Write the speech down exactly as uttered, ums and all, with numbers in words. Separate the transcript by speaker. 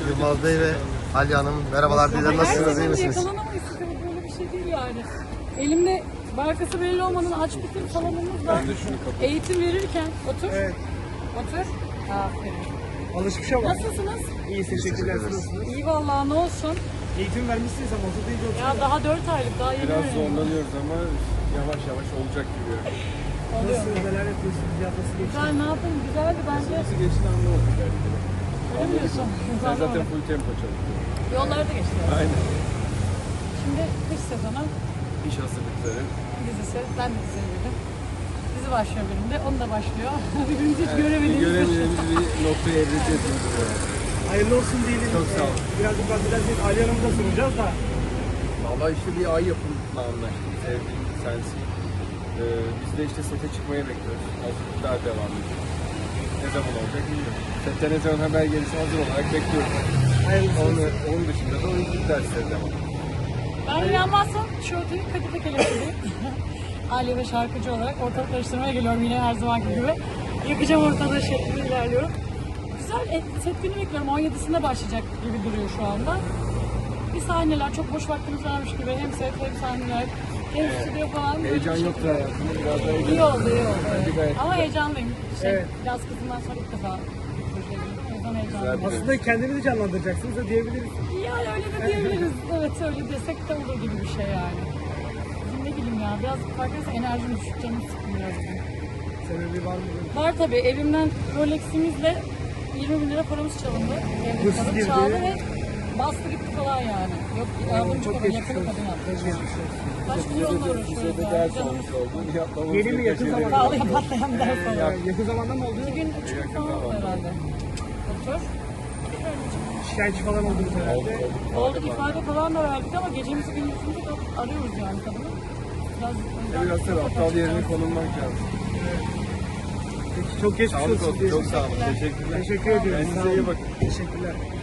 Speaker 1: Yılmaz Bey ve Alya Hanım. Merhabalar diyeceğim. Nasılsınız? İyi misiniz?
Speaker 2: Yakalanamayız. Tabii böyle bir şey değil yani. Elimde markası belli olmanın aç bitir salonumuzda eğitim verirken otur.
Speaker 3: Evet.
Speaker 2: Otur. Aferin.
Speaker 3: Alışmış ama.
Speaker 2: Nasılsınız?
Speaker 3: İyi, teşekkürler. Siz nasılsınız?
Speaker 2: İyi vallahi, ne olsun.
Speaker 3: Eğitim vermişsiniz ama orada deyince oturuyor.
Speaker 2: Ya daha dört aylık, daha yeni
Speaker 4: Biraz
Speaker 2: öğreniyorum.
Speaker 4: zorlanıyoruz ama yavaş yavaş olacak gibi.
Speaker 2: Oluyor.
Speaker 3: Nasılsınız? Neler yapıyorsunuz? Hayat nasıl geçti?
Speaker 2: Güzel, ne yapayım? Güzeldi bence.
Speaker 4: Nasıl geçti anlamadık belki de.
Speaker 2: Öyle mi diyorsun?
Speaker 4: Ben zaten full tempo çalışıyorum.
Speaker 2: Yollarda geçti.
Speaker 4: Aynen.
Speaker 2: Şimdi kış sezonu
Speaker 4: İş hazırlıkları.
Speaker 2: dizisi. Ben de diziye girdim. Dizi başlıyor benim de. Onu da başlıyor. Birbirimizi hiç
Speaker 4: Bir
Speaker 2: göremediğimiz için.
Speaker 4: göremediğimiz bir noktaya evrileceğiz.
Speaker 3: Hayırlı olsun diyelim.
Speaker 4: Çok sağ olun.
Speaker 3: Ee, Birazcık bahsederseniz Ali Hanım'ı da soracağız da.
Speaker 4: Valla işte bir ay yapımla anlaştık. Sevdiğim sensin. Ee, biz de işte sete çıkmaya bekliyoruz. Hazırlıklar devam ediyor. Ne zaman olacak bilmiyorum. Sette ne zaman haber gelirse hazır olarak bekliyoruz.
Speaker 3: Hayırlısı
Speaker 4: Onun,
Speaker 3: olsun.
Speaker 4: onun dışında da oyunculuk dersleri devam.
Speaker 2: Ben inanmazsam şu öteki Kadife Kelepçe'deyim. Aliye ve şarkıcı olarak ortalık karıştırmaya geliyorum yine her zamanki gibi. Yakacağım ortalığı şeklinde ilerliyorum. Güzel, et, set günü bekliyorum. on yedisinde başlayacak gibi duruyor şu anda. Bir sahneler, çok boş vaktimiz varmış gibi. Hem set hem sahneler, hem stüdyo falan.
Speaker 4: Heyecan yoktu hayatımda. Biraz daha heyecan.
Speaker 2: İyi oldu, iyi oldu.
Speaker 4: Bence gayet
Speaker 2: Ama
Speaker 4: güzel.
Speaker 2: heyecanlıyım. Şey,
Speaker 3: Evet.
Speaker 2: Yaz kızından sonra ilk defa projeye girdim. O yüzden heyecanlıyım.
Speaker 4: Güzel.
Speaker 3: Aslında kendinizi canlandıracaksınız da diyebiliriz.
Speaker 2: Yani öyle de diyebiliriz. Evet, öyle desek de olur gibi bir şey yani. Bizim ne bileyim ya, biraz farkındaysa enerjim düşük, canım sıkkın biraz bugün.
Speaker 3: Sebebi var mı?
Speaker 2: Var tabii, evimden Rolex'imizle yirmi bin lira paramız çalındı. Evde
Speaker 3: Hırsız
Speaker 2: kalıp
Speaker 3: girdi.
Speaker 2: çaldı ve bastı gitti falan yani. Yok, yardımcı
Speaker 3: çok
Speaker 2: kadın,
Speaker 3: geçmiş
Speaker 2: yakın
Speaker 3: olsun.
Speaker 2: kadın yaptı.
Speaker 3: Çok geçmiş olsun.
Speaker 2: Kaç milyonla
Speaker 4: Bize
Speaker 2: uğraşıyoruz
Speaker 4: de
Speaker 2: yani.
Speaker 4: ders
Speaker 2: Canım
Speaker 4: olmuş oldu. Yapmamız
Speaker 3: Yeni mi,
Speaker 4: gereken
Speaker 3: yakın
Speaker 4: şeyleri
Speaker 3: zamanda?
Speaker 2: pahalıya patlayan ders
Speaker 3: Ee,
Speaker 2: olarak.
Speaker 3: yakın zamanda mı oldu?
Speaker 2: İki gün, üç gün falan oldu herhalde. Otur.
Speaker 3: Şikayetçi falan oldunuz herhalde.
Speaker 2: Oldu, ifade falan da verdik ama gecemizi gündüzümüzü de arıyoruz yani kadını. Biraz, o yüzden
Speaker 4: Biraz da aptal yerine
Speaker 2: çok-
Speaker 4: konulmak lazım.
Speaker 3: Peki, çok geçmiş
Speaker 4: Sağlık
Speaker 3: olsun.
Speaker 4: olsun.
Speaker 3: diyelim.
Speaker 4: Çok sağ olun. Teşekkürler.
Speaker 3: Teşekkür ediyorum.
Speaker 4: Kendinize
Speaker 3: Sağ olun.
Speaker 4: iyi bakın.
Speaker 3: Teşekkürler.